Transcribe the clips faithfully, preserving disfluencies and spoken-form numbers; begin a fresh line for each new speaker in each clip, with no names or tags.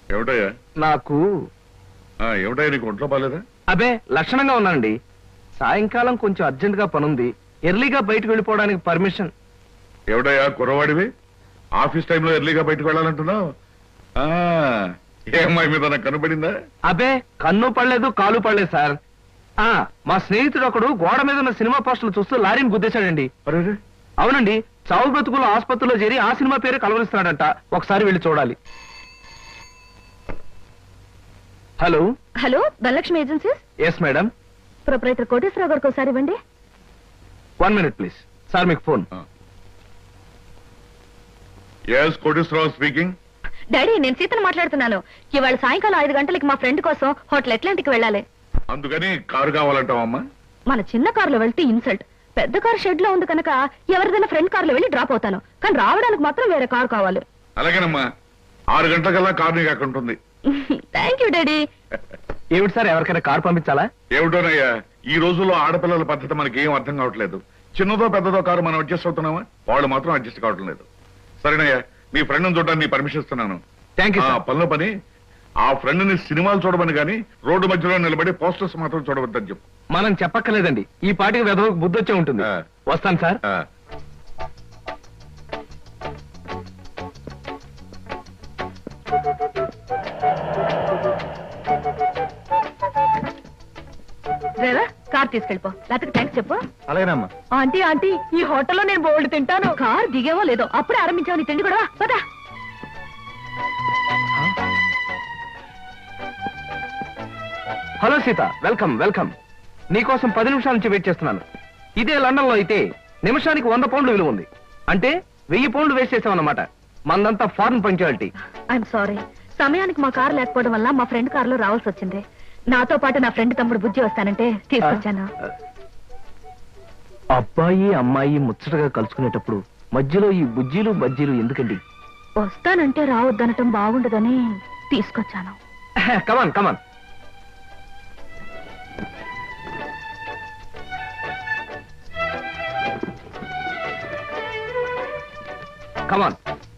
ఏమిటయ్యా?
నాకు
ఏమిటయ్యా, నీకు ఒంట్లో బాలేదా?
అబే లక్షణంగా ఉన్నానండి. సాయంకాలం కొంచెం అర్జెంట్ గా పనుంది, ఎర్లీగా బయటకు వెళ్ళిపోవడానికి పర్మిషన్.
ఏమిటయ్యా కుర్రవాడివి, ఆఫీస్ టైంలో ఎర్లీగా బయటకు వెళ్ళాలంటున్నావు? ఏ అమ్మాయి మీద నాకు కనబడిందా?
అబే కన్ను పడలేదు, కాలు పడలేదు సార్. ఆ మా స్నేహితుడు ఒకడు గోడ మీద ఉన్న సినిమా పోస్టర్లు చూస్తూ లారీని గుద్దేశాడండి.
అరే
అవునండి, చావు బ్రతుకులు ఆసుపత్రిలో చేరి ఆ సినిమా పేరు కలవరిస్తున్నాడంట. ఒకసారి వెళ్ళి చూడాలి. Hello
hello Dhanalakshmi agencies.
Yes madam.
Proprietor Koteswara Rao గారికి ఒకసారి ఇవ్వండి.
One minute please. సార్ మీకు phone.
Yes Koteswara Rao speaking.
Daddy నేను సీతను మాట్లాడుతున్నాను. ఇవాళ సాయంకాలం ఐదు గంటలకి మా ఫ్రెండ్ కోసం హోటల్ అట్లాంటిక్ వెళ్ళాలి.
అందుకని కారు కావాలంటావమ్మా?
మన చిన్న కారులో వెళ్తే ఇన్సల్ట్. పెద్ద కారు షెడ్ లో ఉంది కనుక ఎవరిదైనా ఫ్రెండ్ కారులో వెళ్ళి డ్రాప్ అవుతాను, కానీ రావడానికి మాత్రం వేరే కారు కావాలి.
అలాగేనమ్మా, ఆరు గంటలకల్లా కారు నీకు అక్కడ ఉంటుంది.
Thank you daddy.
ఏమిటి సార్, ఎవరికైనా కారు పంపించాలా?
ఏమిటోనయ్యా, ఈ రోజుల్లో ఆడపిల్లల పద్ధతి మనకి ఏం అర్థం కావట్లేదు. చిన్నదో పెద్దదో కారు మనం అడ్జస్ట్ అవుతున్నామా, వాళ్ళు మాత్రం అడ్జస్ట్ కావటం లేదు. సరేనయ్యా, నీ ఫ్రెండ్ చూడడానికి నీ పర్మిషన్ ఇస్తున్నాను.
Thank you.
పనిలో పని ఆ ఫ్రెండ్ ని సినిమాలు చూడమని కానీ రోడ్డు మధ్యలో నిలబడి పోస్టర్స్ మాత్రం చూడవద్దని చెప్పు.
మనం చెప్పక్కర్లేదండి, ఈ పాటికి వెదవకు బుద్ధి వచ్చే ఉంటుంది. వస్తాను సార్.
డ్రైవర్ కార్ తీసుకెళ్ళిపో, లేకపోతే థ్యాంక్స్ చెప్పు.
అలాగేనమ్మా.
ఆంటీ ఆంటీ ఈ హోటల్లో నేను బోల్డ్ తింటాను. కార్ దిగేవో లేదో అప్పుడే ఆరంభించావు నీ తిండి కూడా. పదా.
Hello Sita, welcome welcome. నీకోసం పది నిమిషాల నుంచి వెయిట్ చేస్తున్నాను. ఇదే లండన్ లో అయితే నిమిషానికి వంద పౌండ్లు విలువ ఉంది, అంటే వెయ్యి పౌండ్లు వేస్ట్ చేసామన్నమాట. మందంతా ఫారెన్ పంక్చువాలిటీ.
ఐఎమ్ సారీ, సమయానికి మా కారు లేకపోవడం వల్ల మా ఫ్రెండ్ కారులో రావాల్సి వచ్చింది. నాతో పాటు నా ఫ్రెండ్ తమ్ముడు బుజ్జి వస్తానంటే తీసుకొచ్చాను.
అబ్బాయి అమ్మాయి ముచ్చటగా కలుసుకునేటప్పుడు మధ్యలో ఈ బుజ్జీలు బజ్జీలు ఎందుకండి?
వస్తానంటే రావద్దనటం బాగుండదని తీసుకొచ్చాను.
కమాన్ కమాన్. కమాన్.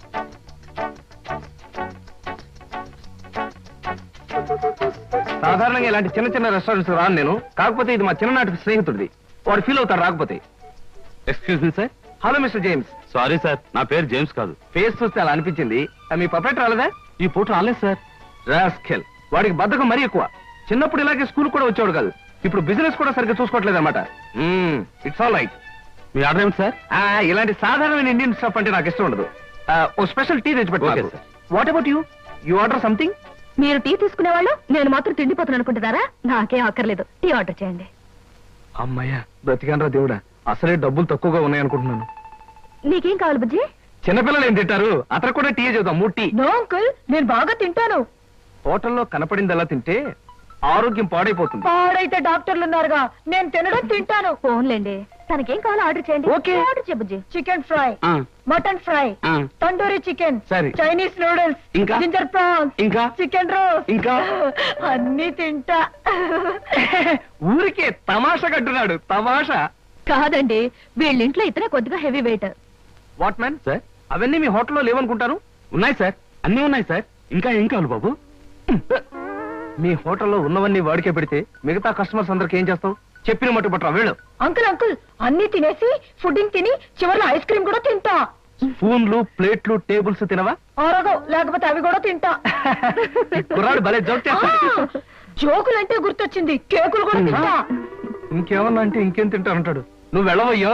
సాధారణంగా ఇలాంటి చిన్న చిన్న రెస్టారెంట్స్ రాను నేను, కాకపోతే ఇది మా చిన్ననాటి స్నేహితుడిది, వాడు ఫీల్ అవుతాడు రాకపోతే. Excuse me sir. Hello mister James.
Sorry sir, నా పేరు జేమ్స్ కాదు.
ఫేస్ చూస్తే అలా అనిపించింది. మీ పర్ఫెక్ట్ రాలేదా? ఈ పూట రాలేదు సార్. రాస్కెల్, వాడికి బద్ధకం మరీ ఎక్కువ. చిన్నప్పుడు ఇలాగే స్కూల్ కూడా వచ్చేవాడు కాదు, ఇప్పుడు బిజినెస్ కూడా సరిగ్గా చూసుకోవట్లేదు అనమాట. It's all right.
మీ ఆర్డర్ ఏమిటి సార్?
ఇలాంటి సాధారణమైన ఇండియన్ స్టఫ్ అంటే నాకు ఇష్టం ఉండదు. ఓ స్పెషల్ టీ తెచ్చి పెట్టు. What about you? You order something?
మీరు టీ తీసుకునేవాళ్ళు, నేను మాత్రం తిండిపోతాను అనుకుంటున్నారా? నాకేం అక్కర్లేదు, టీ ఆర్డర్ చేయండి.
అమ్మయ్యా, బ్రతికానరా దేవుడా. అసలే డబ్బులు తక్కువగా ఉన్నాయనుకుంటున్నాను.
నీకేం కావాలి బుజ్జి?
చిన్నపిల్లలు ఏం తింటారు, అతను కూడా టీ చేద్దాం. మూడు టీ.
నో అంకుల్, నేను బాగా తింటాను.
హోటల్లో కనపడిందల్లా తింటే ఆరోగ్యం పాడైపోతుంది.
పాడైతే డాక్టర్లు ఉన్నారుగా, నేను తినడం తింటాను. ఫోన్లేండి, తనకేం కావాలో ఆర్డర్ చేయండి.
ఓకే.
ఆర్డర్ చేయ బుజ్జి. Chicken fry, mutton fry, tandoori chicken,
సరే,
చైనీస్ నూడిల్స్,
ఇంకా
జింజర్ ప్రాన్స్,
ఇంకా
చికెన్ రోస్,
ఇంకా
అన్ని తింటా.
ఊరికే తమాషా కట్టున్నాడు. తమాషా
కాదండి, వీళ్ళింట్లో ఇతనే కొద్దిగా heavy weight.
What man sir, అవన్నీ మీ హోటల్లో లేవనుకుంటాను.
ఉన్నాయి సార్, అన్నీ ఉన్నాయి సార్. ఇంకా ఏం కావాలి బాబు?
మీ హోటల్లో ఉన్నవన్నీ వాడికే పెడితే మిగతా కస్టమర్స్ అందరికి ఏం చేస్తావు? చెప్పిన మట్టు పట్టరా వీళ్ళు.
అంకుల్ అంకుల్, అన్ని తినేసి ఫుడ్డింగ్ తిని చివరిలో ఐస్ క్రీమ్ కూడా తింటా.
స్పూన్లు ప్లేట్లు టేబుల్స్ తినవా?
ఆరగో, లేకపోతే అవి కూడా తింటా.
కుర్రాడు భలే జోక్ చేస్తాడు.
జోకులంటే గుర్తొచ్చింది, కేకులు కూడా తింటా.
ఇంకేమన్నా అంటే ఇంకేం తింటానంటాడు. నువ్వు వెళ్ళవయ్యో.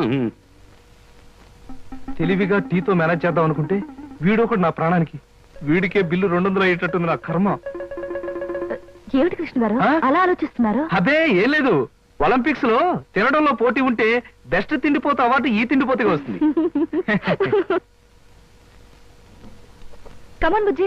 తెలివిగా టీతో మేనేజ్ చేద్దాం అనుకుంటే వీడొకడు నా ప్రాణానికి. వీడికే బిల్లు రెండు వందలు అయ్యేటట్టుంది నా కర్మ.
ఏమిటి కృష్ణ గారు అలా ఆలోచిస్తున్నారు?
అదే ఏం లేదు, ఒలింపిక్స్ లో తినడంలో పోటీ ఉంటే బెస్ట్ తిండిపోతే అవార్డు ఈ తిండిపోతే వస్తుంది.
కమాన్ బుజ్జి.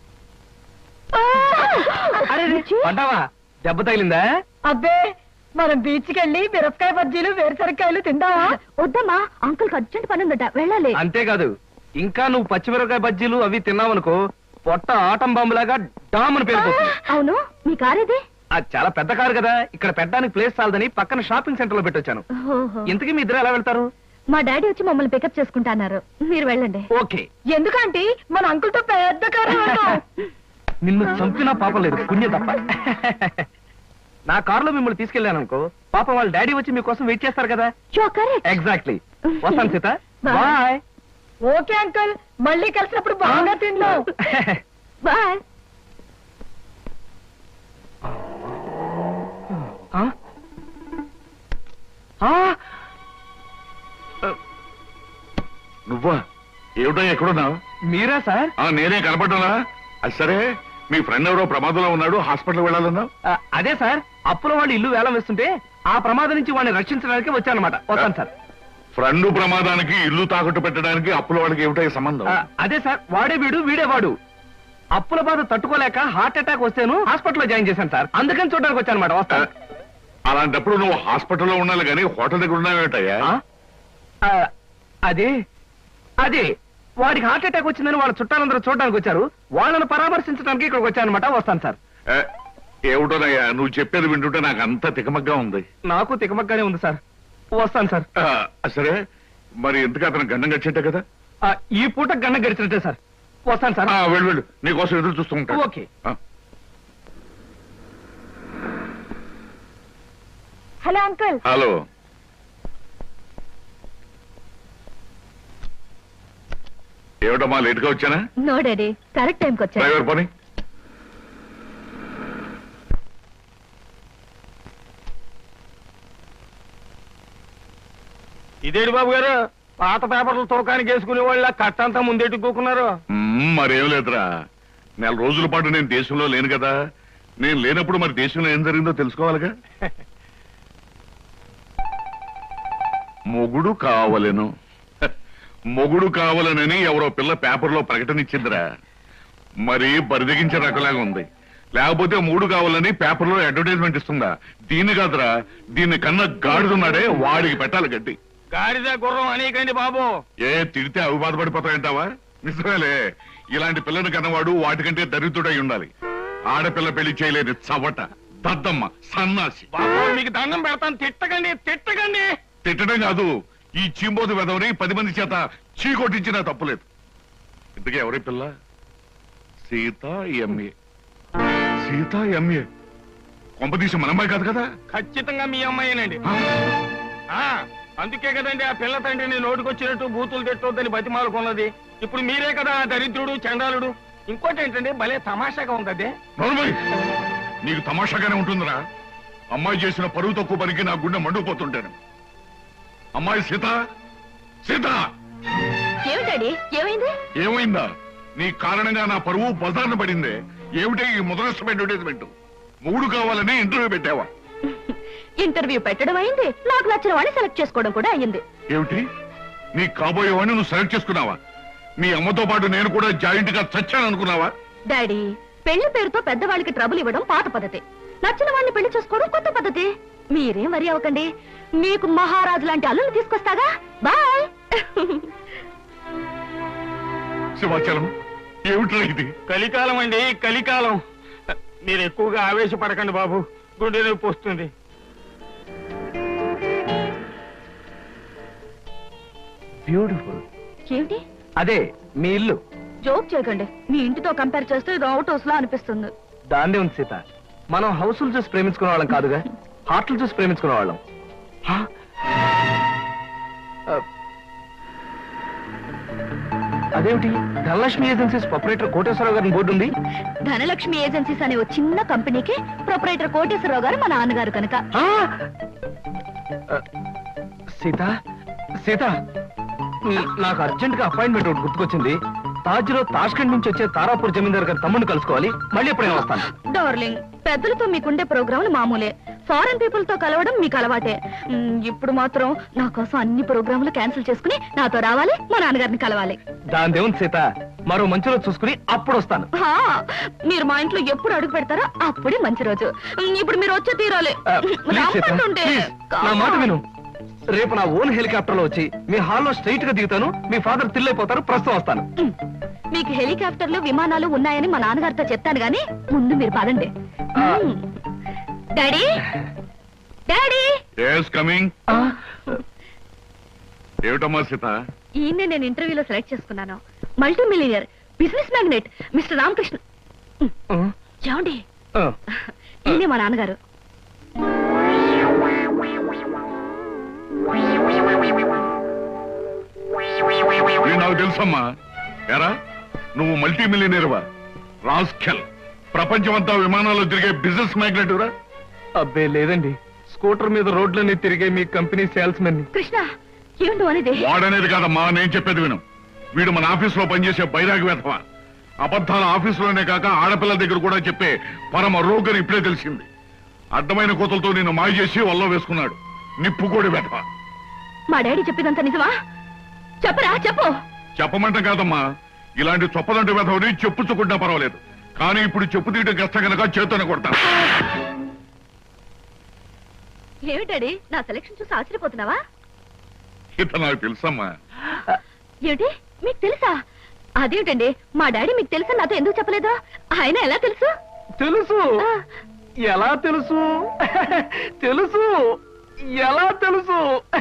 పడ్డావా? దెబ్బ తగిలిందా?
అబ్బే, మనం బీచ్ కి వెళ్ళి మిరపకాయ బజ్జీలు వేరుసరికాయలు తిందామా? వద్దమ్మా, అంకుల్ అర్జెంట్ పని ఉందట, వెళ్ళాలి.
అంతేకాదు, ఇంకా నువ్వు పచ్చిమిరపకాయ బజ్జీలు అవి తిన్నావనుకో పొట్ట ఆటం బాంబులాగా డామని పేరుపోతుంది.
అవును, మీ కారేది?
అది చాలా పెద్ద కారు కదా, ఇక్కడ పెట్టడానికి ప్లేస్ చాలదని పక్కన షాపింగ్ సెంటర్ లో పెట్టొచ్చాను. ఇంతకీ మీ ఇద్దరు ఎలా వెళ్తారు?
మా డాడీ వచ్చి మమ్మల్ని పికప్ చేసుకుంటున్నారు, మీరు వెళ్ళండి.
ఓకే.
ఎందుకంటే మన అంకుల్ తో పెద్ద కారు.
నిన్ను చంపినా పాపం లేదు, పుణ్యం తప్ప. నా కారులో మిమ్మల్ని తీసుకెళ్ళాను అనుకో, పాపం వాళ్ళ డాడీ వచ్చి మీకోసం వెయిట్ చేస్తారు కదా. ఎగ్జాక్ట్లీ. వస్తాను సీత. బాయ్.
ఓకే అంకుల్, మళ్ళీ కలిసినప్పుడు బాగా తిండు. బాయ్.
నువ్వా? ఏమిటో ఎక్కడున్నావు?
మీరా సార్?
నేనే కనపడ్డానా? అది సరే, మీ ఫ్రెండ్ ఎవరో ప్రమాదంలో ఉన్నాడు, హాస్పిటల్ వెళ్ళాలన్నావు.
అదే సార్, అప్పుల వాళ్ళు ఇల్లు వేలం వేస్తుంటే ఆ ప్రమాదం నుంచి వాడిని రక్షించడానికి వచ్చానమాట. వస్తాను సార్.
ఫ్రెండ్ ప్రమాదానికి ఇల్లు తాకట్టు పెట్టడానికి అప్పుల వాళ్ళకి ఏమిటో సంబంధం?
అదే సార్, వాడే వీడు వీడే వాడు. అప్పుల బాధ తట్టుకోలేక హార్ట్ అటాక్ వస్తేను హాస్పిటల్లో జాయిన్ చేశాను సార్. అందుకని చూడడానికి వచ్చానమాట. వస్తాను.
అలాంటప్పుడు నువ్వు హాస్పిటల్లో ఉండాలి కానీ హోటల్ దగ్గర ఉన్నావేటయ్యా?
అదే అదే వాడికి హార్ట్ అటాక్ వచ్చిందని వాళ్ళ చుట్టాలందరూ చూడడానికి వచ్చారు. వాళ్ళని పరామర్శించడానికి ఇక్కడికి వచ్చానమాట. వస్తాను సార్.
ఏమిటోనయ్యా నువ్వు చెప్పేది వింటుంటే నాకు అంత తికమగ్గా ఉంది.
నాకు తికమగ్గానే ఉంది సార్. వస్తాను సార్.
సరే, మరి ఎందుకు అతను గండం గడిచేట్టే కదా?
ఈ పూట గండం గడిచినట్టే సార్. వస్తాను సార్.
వెళ్ళు వెళ్ళు, నీకోసం ఎదురు చూస్తూ ఉంటాను.
ఓకే.
Hello uncle.
హలో. ఏమిటమ్మా లేట్ గా వచ్చానా?
నో డాడీ, కరెక్ట్ టైంకి వచ్చా.
డ్రైవర్ పని.
ఇదేంటి బాబు గారు, పాత పేపర్లు తోకానికి వేసుకునే వాళ్ళ కట్టంతా ముందెట్టుకోకున్నారు?
మరేం లేదురా, నెల రోజుల పాటు నేను దేశంలో లేను కదా. నేను లేనప్పుడు మరి దేశంలో ఏం జరిగిందో తెలుసుకోవాలిగా. మొగుడు కావలెను, మొగుడు కావాలనని ఎవరో పిల్ల పేపర్లో ప్రకటన ఇచ్చిందిరా. మరి బరిదగించే రకలాగా ఉంది. లేకపోతే మూడు కావాలని పేపర్లో అడ్వర్టైజ్మెంట్ ఇస్తుందా? దీన్ని కాదురా, దీన్ని కన్నా గాడిదున్నాడే వాడికి పెట్టాలి గడ్డి.
గాడిద గుర్రం అనేకండి బాబు.
ఏ తిడితే అవి బాధపడిపోతాయంటావా? నిజమేలే, ఇలాంటి పిల్లని కన్నవాడు వాటికంటే దరిద్రుడై ఉండాలి. ఆడపిల్ల పెళ్లి చేయలేని చవట, దద్దమ్మ, సన్నాసి.
మీకు దండం పెడతాను, తిట్టకండి తిట్టకండి.
తిట్టడం కాదు, ఈ చీంబోతు వెదవని పది మంది చేత చీకొట్టించినా తప్పులేదు. ఇంతకీ ఎవరి పిల్ల? సీత ఎంఏ. సీత ఎంఏ కొంపదీసి మన అమ్మాయి కాదు కదా?
ఖచ్చితంగా మీ అమ్మాయినండి. అందుకే కదండి ఆ పిల్ల తండ్రిని నోటికొచ్చినట్టు బూతులు తిట్టొద్దని బతిమాలుకున్నది. ఇప్పుడు మీరే కదా దరిద్రుడు, చండాలుడు. ఇంకోటి ఏంటంటే భలే తమాషాగా ఉంది. అదే
నోర్మై, నీకు తమాషాగానే ఉంటుందిరా. అమ్మాయి చేసిన పరువు తక్కువ పనికి నా గుండె మండుకుపోతుంటాను. అమ్మాయి సీత, సీత.
ఏమిటండి, ఏమైంది?
ఏమైందా? నీ కారణంగా నా పరువు బజార్న పడిందే. ఏమిటి ఈ ముదరస్తం అడ్వర్టైజ్మెంట్? మూడు కావాలని ఇంటర్వ్యూ పెట్టావా?
ఇంటర్వ్యూ పెట్టడం అయింది, నాకు నచ్చిన వాడిని సెలెక్ట్ చేసుకోవడం కూడా అయ్యింది.
ఏమిటి, నీ కాబోయేవాడిని నువ్వు సెలెక్ట్ చేసుకున్నావా? మీ అమ్మతో పాటు నేను కూడా జాయింట్ గా చచ్చాను అనుకున్నావా?
డాడీ, పెళ్లి పేరుతో పెద్దవాళ్ళకి ట్రబుల్ ఇవ్వడం పాత పద్ధతి, నచ్చిన వాడిని పెళ్లి చేసుకోవడం కొత్త పద్ధతి. మీరేం వరి అవ్వకండి, మీకు మహారాజు లాంటి అల్లుని తీసుకొస్తాగా. బాయ్.
శివాచలం, ఏమిట్రా ఇది?
కలికాలం అండి, కలికాలం. మీరు ఎక్కువగా ఆవేశపడకండి బాబు, గుండె నొప్పి వస్తుంది. బ్యూటిఫుల్.
ఏమిటి?
అదే మీ ఇల్లు.
జోక్ చేయకండి, మీ ఇంటితో కంపేర్ చేస్తే ఇది అవుట్ హౌస్ లా అనిపిస్తుంది.
దాన్నే ఉంది సీత, మనం హౌసులు చూసి ప్రేమించుకునే వాళ్ళం కాదుగా, హార్ట్లు చూసి ప్రేమించుకునే వాళ్ళం. అదేమిటి, ధనలక్ష్మి ఏజెన్సీస్ ప్రొపరేటర్ కోటేశ్వరరావు గారిని బోర్డు ఉంది.
ధనలక్ష్మి ఏజెన్సీస్ అనే ఓ చిన్న కంపెనీకి ప్రొపరేటర్ కోటేశ్వరరావు గారు మా నాన్నగారు కనుక.
సీత సీత నాకు అర్జెంట్ గా అపాయింట్మెంట్ ఒకటి గుర్తుకొచ్చింది. తాజ్ లో తాష్కండ్ నుంచి వచ్చే తారాపూర్ జమీందార్ గారి తమ్ముడిని కలుసుకోవాలి. మళ్ళీ ఎప్పుడైనా వస్తాను.
డార్లింగ్, పెద్దలతో మీకుండే ప్రోగ్రాంలు మామూలే, ఫారెన్ పీపుల్ తో కలవడం మీకు అలవాటే. ఇప్పుడు మాత్రం నా కోసం అన్ని ప్రోగ్రాంలు క్యాన్సిల్ చేసుకుని నాతో రావాలి, మా నాన్నగారిని కలవాలి.
దాని దేవుని సీత, మరో మంచి రోజు చూసుకుని అప్పుడు వస్తాను.
మీరు మా ఇంట్లో ఎప్పుడు అడుగు పెడతారో అప్పుడే మంచి రోజు. ఇప్పుడు మీరు వచ్చే తీరాలి.
నా మాట విను, రేపు నా ఓన్ హెలికాప్టర్ లో వచ్చి మీ హాల్లో స్ట్రైట్ గా దిగుతాను. మీ ఫాదర్ తిల్లైపోతారు, ప్రస్తుతం వస్తాను.
మీకు హెలికాప్టర్లు విమానాలు ఉన్నాయని మా నాన్నగారితో చెప్తాను గానీ ముందు మీరు పదండి. Daddy, daddy.
yes coming. ఏమిటమ్మా సీత?
ఈయన్నే నేను ఇంటర్వ్యూలో సెలెక్ట్ చేసుకున్నాను. Multi millionaire, business magnet mister Ramakrishna. ఏమండి
ఆ,
ఈయనే మా నాన్నగారు.
ఇది నాకు తెలుసమ్మా. ఎరా నువ్వు మల్టీ మిలియనీర్వా? రాస్కెల్, ప్రపంచమంతా విమానాల్లో తిరిగే బిజినెస్ మ్యాగ్నెట్ రా.
అబ్బే లేదండి, స్కూటర్ మీద రోడ్లన్నీ తిరిగే మీ కంపెనీ సేల్స్ మెన్.
కృష్ణ ఏమిటో అనేది?
వాడనేది కాదమ్మా, నేను చెప్పేది విను. వీడు మన ఆఫీసులో పనిచేసే బైరాగి వేధవా. అబద్ధాల ఆఫీసులోనే కాక ఆడపిల్లల దగ్గర కూడా చెప్పే పరమ రోగని ఇప్పుడే తెలిసింది. అడ్డమైన కోతలతో నిన్ను మాయ చేసి వల్ల వేసుకున్నాడు. నిప్పుకోడి వేధవా.
మా డాడీ చెప్పేదంతా నిజమా? చెప్పరా చెప్పు.
చెప్పమంటాం కాదమ్మా, ఇలాంటి చొప్పదంటి వేధవని చెప్పుచ్చుకుంటా పర్వాలేదు, కానీ ఇప్పుడు చెప్పు తీయడం కష్టం కనుక చేతోనే కొడతాను.
ఏమిటాడి నా సెలక్షన్ చూసి ఆశ్చర్యపోతున్నావా?
ఇత నాకు తెలుసమ్మా.
ఏమిటి మీకు తెలుసా? అదేమిటండి మా డాడీ మీకు తెలుసా నాతో ఎందుకు చెప్పలేదు? ఆయన ఎలా తెలుసు?
తెలుసు.
ఆ,
ఎలా తెలుసు? తెలుసు. ఎలా తెలుసు?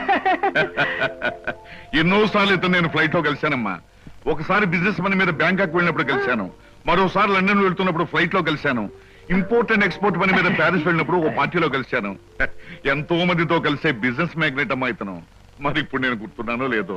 ఎన్నోసార్లు ఇతను నేను ఫ్లైట్ లో కలిశానమ్మా. ఒకసారి బిజినెస్ పని మీద బ్యాంకాక్ వెళ్ళినప్పుడు కలిశాను, మరోసారి లండన్ వెళ్తున్నప్పుడు ఫ్లైట్ లో కలిశాను, ఇంపోర్ట్ అండ్ ఎక్స్పోర్ట్ పని మీద ప్యారిస్ వెళ్ళినప్పుడు ఒక పార్టీలో కలిశాను. ఎంతో మందితో కలిసే బిజినెస్ మ్యాగ్నెట్ అమ్మా ఇతను. మరి ఇప్పుడు నేను గుర్తున్నానో లేదో.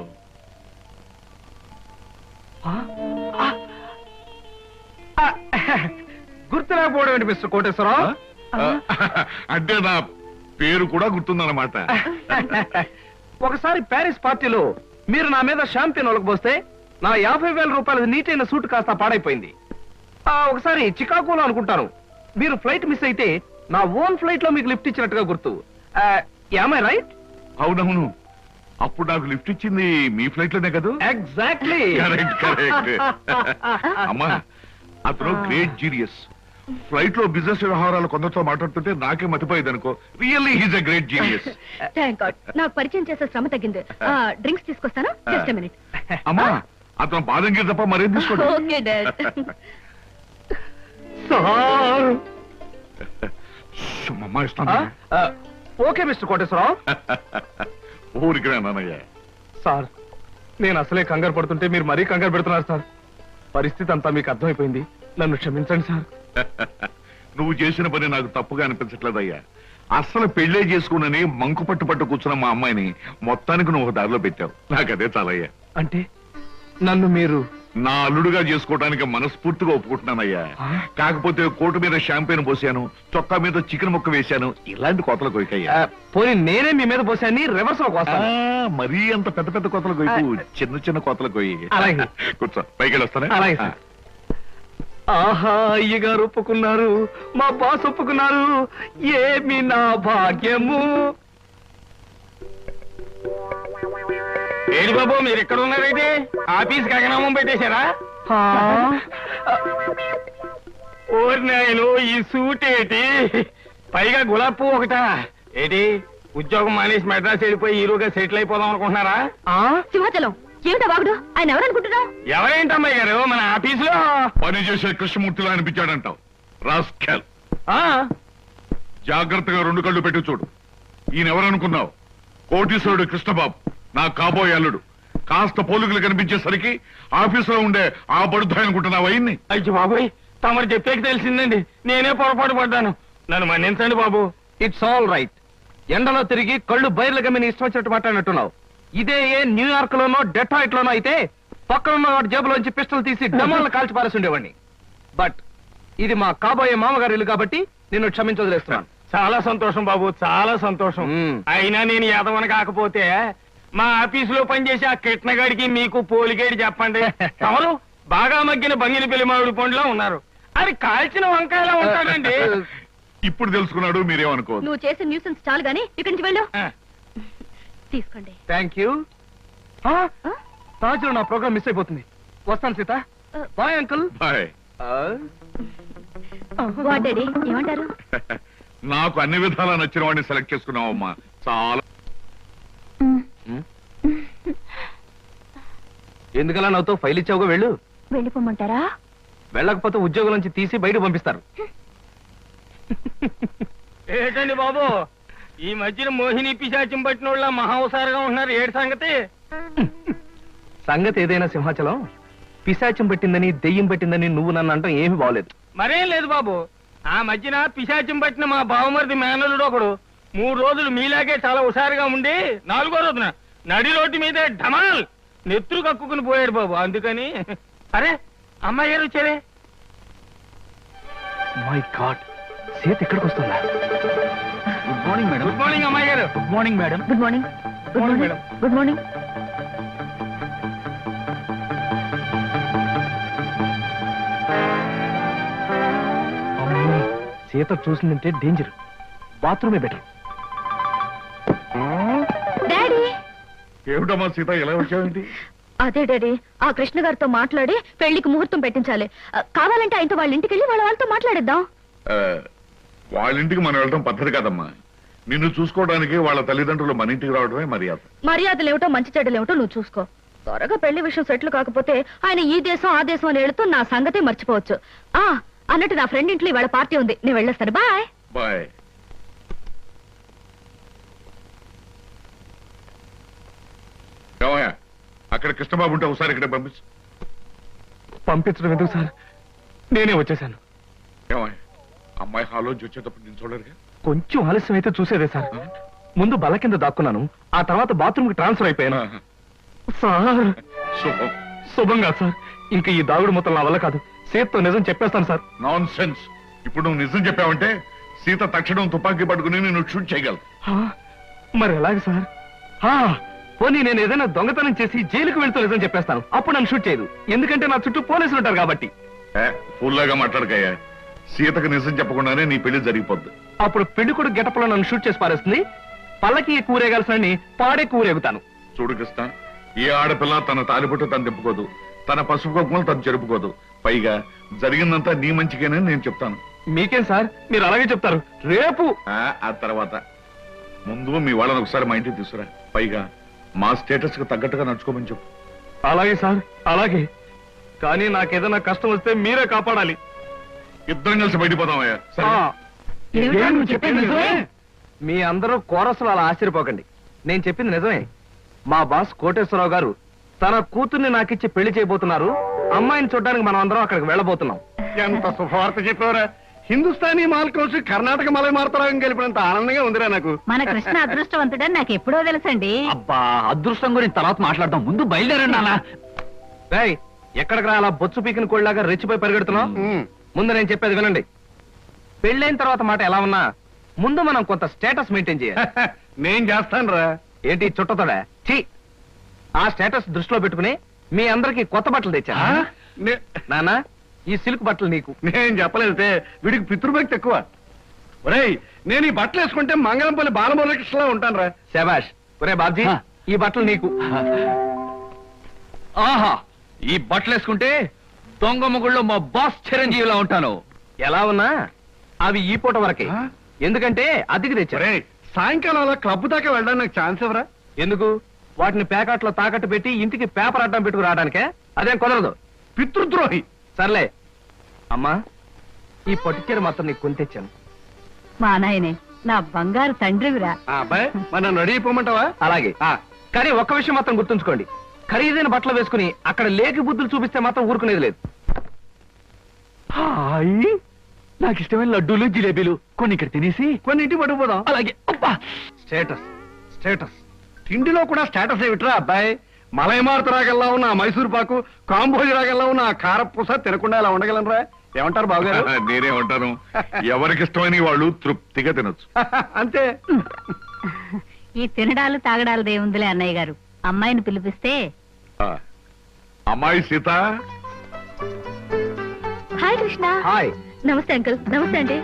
గుర్తులేకపోవడం ఏంటి మిస్టర్ కోటేశ్వరరావు?
అంటే నా పేరు కూడా గుర్తుందన్నమాట.
ఒకసారి ప్యారిస్ పార్టీలో మీరు నా మీద షాంపియన్ ఒలకపోస్తే నా యాభై వేల రూపాయల నీటైన సూట్ కాస్త పాడైపోయింది. ఆ, ఒకసారి చికాగోలో అనుకుంటాను మీరు ఫ్లైట్ మిస్ అయితే నా ఓన్ ఫ్లైట్ లో మీకు లిఫ్ట్ ఇచ్చినట్టుగా గుర్తు. Am I right?
అవునవును, అప్పుడు నాకు లిఫ్ట్ ఇచ్చింది మీ ఫ్లైట్ లోనే కదా.
ఎగ్జాక్ట్లీ.
Correct correct. అమ్మా అతను గ్రేట్ జీనియస్. ఫ్లైట్ లో బిజినెస్ వ్యవహారాలు కొందరితో మాట్లాడుతుంటే నాకే మతిపోయేది అనుకో. Really he's a great genius.
Thank god నాకు పరిచయం చేసే శ్రమ తగ్గింది. డ్రింక్స్ తీసుకొస్తాను, జస్ట్ ఎ మినిట్.
అమ్మా అతను బాదం గీర్ తప్ప మరేం తీసుకోండి.
Okay dad.
సార్.
అమ్మా ఇస్తాను.
Okay mister Koteswara Rao.
ఊరికి నాన్నయ్య.
సార్ నేను అసలే కంగారు పడుతుంటే మీరు మరీ కంగారు పెడుతున్నారు సార్. పరిస్థితి అంతా మీకు అర్థమైపోయింది, నన్ను క్షమించండి సార్.
నువ్వు చేసిన పని నాకు తప్పుగా అనిపించట్లేదయ్యా. అస్సలు పెళ్లే చేసుకున్నని మంకు పట్టు పట్టు కూర్చున్న మా అమ్మాయిని మొత్తానికి నువ్వు ఒక దారిలో పెట్టావు. నాకదే చాలయ్యా.
అంటే నన్ను మీరు
నా అల్లుడుగా చేసుకోవడానికి మనస్ఫూర్తిగా ఒప్పుకుంటున్నానయ్యా. కాకపోతే కోటు మీద షాంపెయిన్ పోసాను, చొక్కా మీద చికెన్ ముక్క వేశాను, ఇలాంటి కోతలు కొయ్యకయ్యా.
ఆ, పోనీ నేనే మీ మీద పోసాన్ని రివర్స్ లో కోస్తాను.
మరీ అంత పెద్ద పెద్ద కోతలు కొయ్యకు, చిన్న చిన్న కోతలు కొయ్యి.
అలాగే.
కూర్చో, పైకి వెళ్ళొస్తానే.
అలాగే సార్. ఆహా అయ్యగారు ఒప్పుకున్నారు, మా బాస్ ఒప్పుకున్నారు, ఏమి నా భాగ్యము.
ఏడు బాబు మీరు ఎక్కడ ఉన్నారైతే ఆఫీస్ గగనామం పెట్టేశారా? ఓరి నాయను ఈ సూట్ ఏంటి, పైగా గులాబ్ పువ్వు ఒకటా ఏంటి? ఉద్యోగం మానేసి మెడ్రాస్ వెళ్ళిపోయి హీరోగా సెటిల్ అయిపోదాం అనుకుంటున్నారా?
సింహాచలం ఏమిటా వాగుడు? ఆయన ఎవరనుకుంటున్నావు?
ఎవరేంటమ్మాయి గారు మన ఆఫీసులో
పని చేసే కృష్ణమూర్తిలా అనిపించాడంటావు. రాస్కెల్, జాగ్రత్తగా రెండు కళ్ళు పెట్టి చూడు. ఈయన ఎవరనుకున్నావు? కోటీశ్వరుడు కృష్ణబాబు, నా కాబోయే అల్లుడు. కాస్త పోలికలు కనిపించేసరికి ఆఫీసులో ఉండే ఆ బడుద్దాయి అనుకుంటున్నావు అయ్యింది.
అయ్యో బాబోయ్, తమరు చెప్పేకి తెలిసిందండి, నేనే పొరపాటు పడ్డాను, నన్ను మన్నించండి బాబు.
It's all right. ఎండలో తిరిగి కళ్ళు బయర్లు గమ్మిని ఇష్టం వచ్చినట్టు మాట్లాడినట్టున్నావు. ఇదే ఏ న్యూయార్క్ లోనో డెట్రాయిట్ లోనో అయితే పక్కనున్న వాడి జేబులోంచి పిస్టల్ తీసి డమాలను కాల్చి పారేసి ఉండేవాడిని. బట్ ఇది మా కాబోయే మామగారి ఇల్లు కాబట్టి నిన్ను క్షమించి వదిలేస్తున్నాను.
చాలా సంతోషం బాబు, చాలా సంతోషం.
మ్మ్.
అయినా నేను యాదవని కాకపోతే మా ఆఫీసులో పనిచేసే ఆ కిట్నగాడికి మీకు పోలికేడి చెప్పండి. తమరు బాగా మగ్గిన బంగిని పెళ్లి మామిడి పండులో ఉన్నారు, అది కాల్చిన వంకాయలా ఉంటాడండి.
ఇప్పుడు తెలుసుకున్నాడు, మీరేమనుకోవద్దు.
నువ్వు చేసే న్యూసెన్స్ చాలు గానీ ఇక్కడి నుంచి వెళ్ళు. తీసుకోండి.
Thank you. తాజులో నా ప్రోగ్రామ్ మిస్ అయిపోతుంది. వస్తాను Sita. Bye uncle.
Bye.
What daddy ఏమంటారు?
నాకు అన్ని విధాలా నచ్చిన వాడిని సెలెక్ట్ చేసుకున్నావమ్మా. చాలా.
ఎందుకలా నాతో ఫైల్ ఇచ్చావుగా, వెళ్ళు.
వెళ్ళిపోమంటారా?
వెళ్ళకపోతే ఉద్యోగం నుంచి తీసి బయట పంపిస్తారు.
ఏంటండి బాబు, ఈ మధ్యన మోహిని పిశాచం పట్టిన వాళ్ళ మహావసారుగా ఉంటున్నారు, ఏడు సంగతి?
సంగతి ఏదైనా సింహాచలం, పిశాచం పెట్టిందని దెయ్యం పెట్టిందని నువ్వు నన్ను అంటాం ఏమీ బాగలేదు.
మరేం లేదు బాబు, ఆ మధ్యన పిశాచం పట్టిన మా బావమరిది మేనలుడు ఒకడు మూడు రోజులు మీలాగే చాలా హుషారుగా ఉండి నాలుగో రోజున నడి రోడ్డు మీద ఢమాల్ నెత్తురు కక్కుకుని పోయాడు బాబు. అందుకని అరే అమ్మాయి గారు వచ్చారే.
మై గాడ్, సీత ఇక్కడికి వస్తుందా?
Good morning madam.
Good morning అమ్మాయి గారు.
Good morning madam.
Good morning. Good
morning
morning
madam.
Good morning.
అమ్మో, సీత చూసిందంటే డేంజర్. బాత్రూమే బెటర్.
డాడీ,
ఏమిటమ్మా సీత ఎలా వచ్చావేంటి?
అదే డాడీ, ఆ కృష్ణ గారితో మాట్లాడి పెళ్లికి ముహూర్తం పెట్టించాలి. ఆ, కావాలంటే ఆయనతో వాళ్ళ ఇంటికి వెళ్ళి వాళ్ళ వాళ్ళతో మాట్లాడిద్దాం.
ఆ, వాళ్ళ ఇంటికి మనం వెళ్ళడం పద్ధతి కాదమ్మా. నిన్ను చూసుకోవడానికి వాళ్ళ తల్లిదండ్రులు మన ఇంటికి రావడమే మర్యాద.
మర్యాదలు ఏమిటో మంచి చెడ్డలు ఏమిటో నువ్వు చూసుకో. త్వరగా పెళ్లి విషయం సెటిల్ కాకపోతే ఆయన ఈ దేశం ఆ దేశం అని వెళుతూ నా సంగతే మర్చిపోవచ్చు. ఆ అన్నట్టు నా ఫ్రెండ్ ఇంట్లో ఇవాళ పార్టీ ఉంది, నేను వెళ్ళేస్తాను. బాయ్.
బాయ్. ఏమయ్యా, అక్కడ కృష్ణబాబు ఉంటే ఒకసారి ఇక్కడ పంపించు.
పంపించడం ఎందుకు సార్, నేనే వచ్చేసాను.
ఏమయ్యా, అమ్మాయి హాల్లోంచి వచ్చేటప్పుడు నేను చూడరుగా.
కొంచెం ఆలస్యం అయితే చూసేదే సార్. ముందు బల్ల కింద దాక్కున్నాను, ఆ తర్వాత బాత్రూమ్ కి ట్రాన్స్ఫర్ అయిపోయాను.
ఆహా.
సార్
శుభం.
శుభంగా సార్, ఇంకా ఈ దాగుడు మొత్తం నా వల్ల కాదు. సీతతో నిజం చెప్పేస్తాను సార్.
Non sense. ఇప్పుడు నువ్వు నిజం చెప్పావంటే సీత తక్షణం తుపాకీ పట్టుకుని నేను షూట్ చేయగలవు.
ఆ, మరి ఎలాగ సార్? ఆ, పోనీ నేను ఏదైనా దొంగతనం చేసి జైలుకు వెళ్తూ నిజం చెప్పేస్తాను, అప్పుడు నన్ను షూట్ చేయదు. ఎందుకంటే నా చుట్టూ పోలీసులు ఉంటారు కాబట్టి.
ఫుల్లాగా మాట్లాడకయ్యా. సీతకు నిజం చెప్పకుండానే నీ పెళ్లి జరిగిపోద్ది.
అప్పుడు పెళ్లి కొడుకు గెటప్లో నన్ను షూట్ చేసి పారేస్తుంది. పల్లకి కూరేగాల్సిన పాడే కూరేగుతాను.
చూడు కృష్ణ, ఏ ఆడపిల్ల తన తాలిబొట్టు తను తిప్పుకోదు, తన పసుపు కుంకుమలు తను జరుపుకోదు. పైగా జరిగిందంతా నీ మంచికేనని నేను చెప్తాను.
మీకేం సార్, మీరు అలాగే చెప్తారు. రేపు
ఆ ఆ తర్వాత ముందు మీ వాళ్ళని ఒకసారి మా ఇంటికి తీసుకురా. పైగా మా స్టేటస్ కు తగ్గట్టుగా నడుచుకోమని చెప్పు.
అలాగే సార్, అలాగే. కానీ నాకేదైనా కష్టం వస్తే మీరే కాపాడాలి.
ఇద్దరం కలిసి బయటపోదామయ్యా. సరే?
ఆ,
ఏమిటో నువ్వు చెప్పేది నిజమే?
మీ అందరూ కోరసులు అలా ఆశ్చర్యపోకండి. నేను చెప్పింది నిజమే. మా బాస్ కోటేశ్వరరావు గారు తన కూతుర్ని నాకిచ్చి పెళ్లి చేయబోతున్నారు. అమ్మాయిని చూడడానికి మనం అందరం అక్కడికి వెళ్ళబోతున్నాం.
ఎంత శుభవార్త చెప్పారా. హిందుస్థానీ మాల్ కలిసి కర్ణాటక మలై మార్తరాగం గెలిపినంత ఆనందంగా ఉందిరా నాకు.
మన కృష్ణ అదృష్టవంతుడని నాకు ఎప్పుడో తెలుసండి.
అబ్బా, అదృష్టం గురించి తర్వాత మాట్లాడదాం, ముందు బయలుదేరండి నాన్న.
రేయ్, ఎక్కడికి రా అలా బొచ్చు పీకిన కోళ్ళలాగా రెచ్చిపోయి పరిగెడుతున్నావు?
ఉమ్.
ముందు నేను చెప్పేది వినండి. పెళ్ళైన తర్వాత మాట ఎలా ఉన్నా ముందు మనం కొంత స్టేటస్ మెయింటైన్ చేయాలి.
నేను చేస్తాను రా.
ఏంటి చుట్టతోడా? ఛీ! ఆ స్టేటస్ దృష్టిలో పెట్టుకుని మీ అందరికి కొత్త బట్టలు తెచ్చా. నాన్న, ఈ సిల్క్ బట్టలు నీకు.
నేను చెప్పలేదే, వీడికి పితృభక్తి ఎక్కువ. ఒరేయ్, నేను ఈ బట్టలు వేసుకుంటే మంగళంపల్లి బాలమురకృష్ణలా ఉంటాను రా.
శబాష్. ఒరే బాబ్జీ,
ఆ.
ఈ బట్టలు నీకు.
ఆహా, ఈ బట్టలు వేసుకుంటే దొంగ మొగుళ్ళో మా బాస్ చిరంజీవిలా ఉంటాను.
ఎలా ఉన్నా అవి ఈ పూట వరకే.
ఆ?
ఎందుకంటే అద్దెకి తెచ్చా.
ఒరేయ్, సాయంకాలం అలా క్లబ్ దాకా వెళ్ళడానికి నాకు ఛాన్స్ ఇవ్వరా?
ఎందుకు? వాటిని ప్యాకెట్లో తాకట్టు పెట్టి ఇంటికి పేపర్ అడ్డం పెట్టుకు రావడానికే? అదేం కుదరదు.
పితృద్రోహి.
సర్లే అమ్మా, ఈ పట్టుచీర మాత్రం నీకు కొని తెచ్చాను.
మా నాయనే, నా బంగారు తండ్రివిరా.
ఆ అబ్బాయి, మరి నన్ను రెడీ అయిపోమంటావా?
అలాగే.
ఆ,
కానీ ఒక్క విషయం మాత్రం గుర్తుంచుకోండి, ఖరీదైన బట్టలు వేసుకుని అక్కడ లేకి బుద్ధులు చూపిస్తే మాత్రం ఊరుకునేది లేదు.
హాయ్, నాకు ఇష్టమైన లడ్డూలు జిలేబీలు కొన్ని ఇక్కడ తినేసి
కొన్ని ఇంటికి పట్టుకుపోదాం.
అలాగే. అబ్బా,
స్టేటస్ స్టేటస్
తిండిలో కూడా స్టేటస్ ఏమిట్రా అబ్బాయి? మలైమారుత రాగల్లా ఉన్న ఆ మైసూర్ పాకు, కాంబోజి రాగల్లా ఉన్న ఆ కారపూస తినకుండా ఇలా ఉండగలనరా? ఏమంటారు బావగారు?
నేనే ఉంటాను. ఎవరికి ఇష్టమైన వాళ్ళు తృప్తిగా తినొచ్చు.
అంతే.
ఈ తినడాలు తాగడాలు దేవుందిలే అన్నయ్య గారు. అమ్మాయిని పిలిపిస్తే.
ఆ, అమ్మాయి సీత.
హాయ్ కృష్ణ.
హాయ్.
నమస్తే అంకుల్. నమస్తే అండి.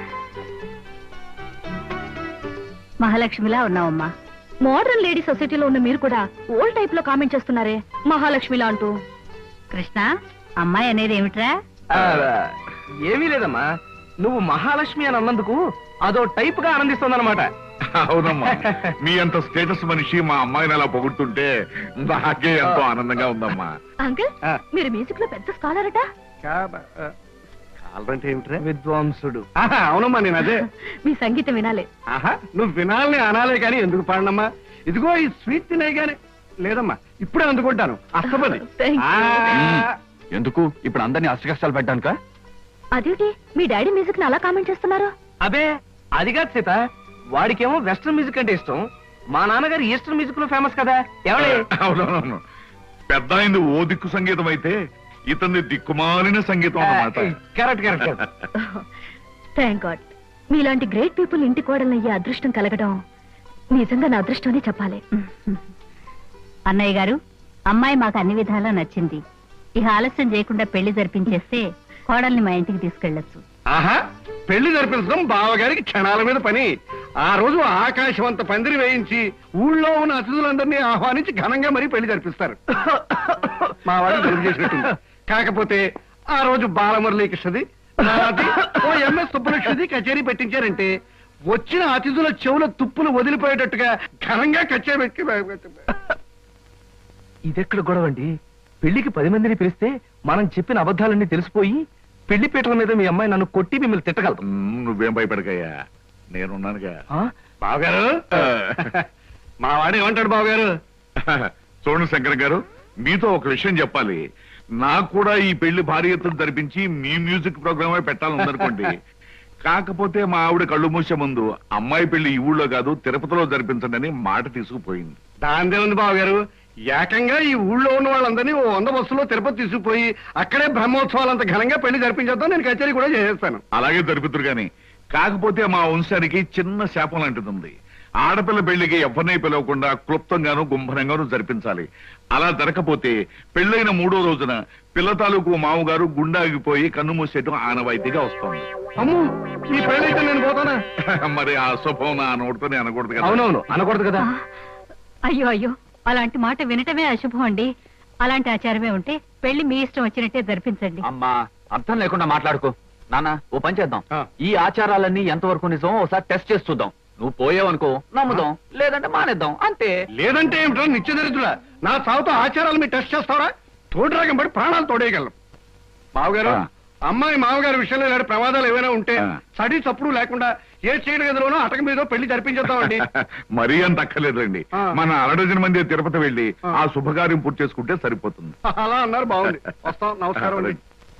మహాలక్ష్మిలా ఉన్నావమ్మా. మోడర్న్ లేడీ సొసైటీలో ఉన్న మీరు కూడా ఓల్డ్ టైప్ లో కామెంట్ చేస్తున్నారే మహాలక్ష్మిలా అంటూ. కృష్ణ, అమ్మాయి అనేది ఏమిట్రా?
ఆ, ఏమీ లేదమ్మా, నువ్వు మహాలక్ష్మి అని అన్నందుకు అదో టైప్ గా ఆనందిస్తోందన్నమాట.
అవునమ్మా, మీ అంత స్టేటస్ మనిషి మా అమ్మాయిని అలా పొగుడుతుంటే నాకే ఎంతో ఆనందంగా ఉందమ్మా.
అంకుల్,
ఆ.
మీరు మ్యూజిక్ లో పెద్ద స్కాలర్ అట.
కావాలంటే ఏమిట్రా?
విద్వాంసుడు.
ఆహా, అవునమ్మా, నేను అదే.
మీ సంగీతం వినాలి.
ఆహా, నువ్వు వినాలని అనాలే కానీ ఎందుకు పాడనమ్మా? ఇదిగో ఈ స్వీట్ తినే గానీ. లేదమ్మా, ఇప్పుడే అందుకుంటాను. అస్తపది.
Thank you.
ఆ,
ఎందుకు ఇప్పుడు అందరినీ అష్ట కష్టాలు పెట్టడానిక?
అదేంటి మీ డాడీ మ్యూజిక్ ని అలా కామెంట్ చేస్తున్నారు?
అబే అది కాదు సీత, వాడికేమో వెస్ట్రన్ మ్యూజిక్ అంటే ఇష్టం, మా నాన్నగారు ఈస్టర్న్ మ్యూజిక్ లో ఫేమస్ కదా. ఎవడే
అవునవును, పెద్ద అయింది ఓ దిక్కు సంగీతం అయితే ఇతన్ని దిక్కుమాలిన సంగీతం అన్నమాట.
Correct correct.
థ్యాంక్ గాడ్, మీలాంటి గ్రేట్ పీపుల్ ఇంటి కోడలను అయ్యే అదృష్టం కలగడం నిజంగా నా అదృష్టం అని చెప్పాలి.
అన్నయ్య గారు, అమ్మాయి మాకు అన్ని విధాలా నచ్చింది. ఇక ఆలస్యం చేయకుండా పెళ్లి జరిపించేస్తే కోడల్ని మా ఇంటికి తీసుకెళ్లొచ్చు.
ఆహా, పెళ్లి జరిపించడం బావగారికి క్షణాల మీద పని. ఆ రోజు ఆకాశవంత పందిరి వేయించి ఊళ్ళో ఉన్న అతిథులందరినీ ఆహ్వానించి ఘనంగా మరీ పెళ్లి జరిపిస్తారు. మా వాడిని జరుపు చేసినట్టుంది. కాకపోతే ఆ రోజు బాలమురళీకృష్ణది, నాది, ఓ ఎంఎస్ సుబ్బలక్ష్మిది కచేరీ పెట్టించారంటే వచ్చిన అతిథుల చెవుల తుప్పులు వదిలిపోయేటట్టుగా ఘనంగా కచేరీ పెట్టి
ఇదెక్కడ గొడవండి? పెళ్లికి పది మందిని పిలిస్తే మనం చెప్పిన అబద్ధాలన్నీ తెలిసిపోయి పెళ్లి పీటల మీద మీ అమ్మాయి నన్ను కొట్టి మిమ్మల్ని తిట్టగలదు.
మ్, నువ్వేం భయపడకయ్యా, నేనున్నానుగా.
బావగారు, మా వాడు ఏమంటాడు బావగారు?
చూడండి శంకర్ గారు, మీతో ఒక విషయం చెప్పాలి. నాకు కూడా ఈ పెళ్లి భారీ ఎత్తున జరిపించి మీ మ్యూజిక్ ప్రోగ్రామే పెట్టాలనుకోండి. కాకపోతే మా ఆవిడ కళ్ళు మూసే ముందు అమ్మాయి పెళ్లి ఈ ఊళ్ళో కాదు తిరుపతిలో జరిపించండి అని మాట తీసుకుపోయింది.
దాందే ఉంది బావగారు, ఏకంగా ఈ ఊళ్ళో ఉన్న వాళ్ళందరినీ ఓ వంద బస్సులో తిరుపతి తీసుకుపోయి అక్కడే బ్రహ్మోత్సవాలంత ఘనంగా పెళ్లి జరిపించేద్దాం. నేను కచేరీ కూడా చేసేస్తాను.
అలాగే జరుపుతురు గాని, కాకపోతే మా వంశానికి చిన్న శాపం లాంటిది ఉంది. ఆడపిల్ల పెళ్లికి ఎవరిని పిలవకుండా క్లుప్తంగాను గుంభనంగాను జరిపించాలి. అలా జరగకపోతే పెళ్లైన మూడో రోజున పిల్ల తాలూకు మామగారు గుండాగిపోయి కన్ను మూసేయటం ఆనవాయితీగా వస్తుంది.
అమ్ము, ఈ పెళ్ళైతే నేను పోతానా?
మరి ఆ శుభం నా నోటితోనే అనకూడదు కదా.
అవునవును, అనకూడదు కదా.
అయ్యో అయ్యో, అలాంటి మాట వినటమే అశుభం అండి. అలాంటి ఆచారమే ఉంటే పెళ్లి మీ ఇష్టం వచ్చినట్టే జరిపించండి.
అమ్మా, అర్థం లేకుండా మాట్లాడుకో. నాన్న, ఓ పని చేద్దాం.
ఆ.
ఈ ఆచారాలన్నీ ఎంతవరకు నిజం ఒకసారి టెస్ట్ చేసి చూద్దాం. నువ్వు పోయావనుకో నమ్ముదాం, లేదంటే మానేద్దాం, అంతే.
లేదంటే ఏమిటో నిత్యదరిద్రుడా, నా సాగుతో ఆచారాలు మీరు టెస్ట్ చేస్తారా? తోడురాగం పడి ప్రాణాలు తోడేయగలం. మావగారు,
ఆ.
అమ్మాయి మామగారి విషయంలో ఇలాంటి ప్రమాదాలు ఏమైనా ఉంటే
ఆ.
సడి చప్పుడు లేకుండా ఏ చీడ గదిలోనో అటక మీద పెళ్లి జరిపించేద్దామండి.
మరీ అంత అక్కర్లేదండి.
ఆ.
మన అరడజన మంది తిరుపతి వెళ్లి
ఆ.
ఆ శుభకార్యం పూర్తి చేసుకుంటే సరిపోతుంది.
అలా అన్నారు, బాగుంది. వస్తాం, నమస్కారం అండి.